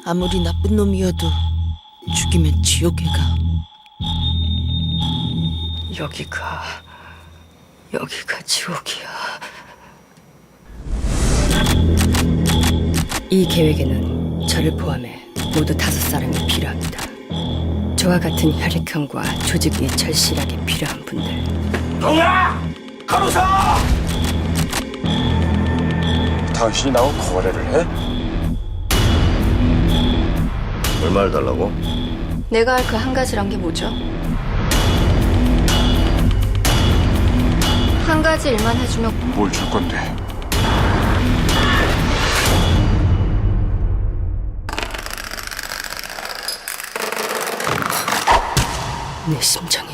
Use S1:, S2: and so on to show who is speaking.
S1: 아무리 나쁜 놈이어도 죽이면 지옥에 가.
S2: 여기가 지옥이야. 이 계획에는 저를 포함해 모두 5사람이 필요합니다. 저와 같은 혈액형과 조직이 절실하게 필요한 분들.
S3: 동야! 간호사!
S4: 당신이 나하고 거래를 해? 얼마를 달라고?
S2: 내가 할 그 한 가지란 게 뭐죠? 한 가지 일만 해주면
S4: 뭘 줄 건데?
S2: 내 심장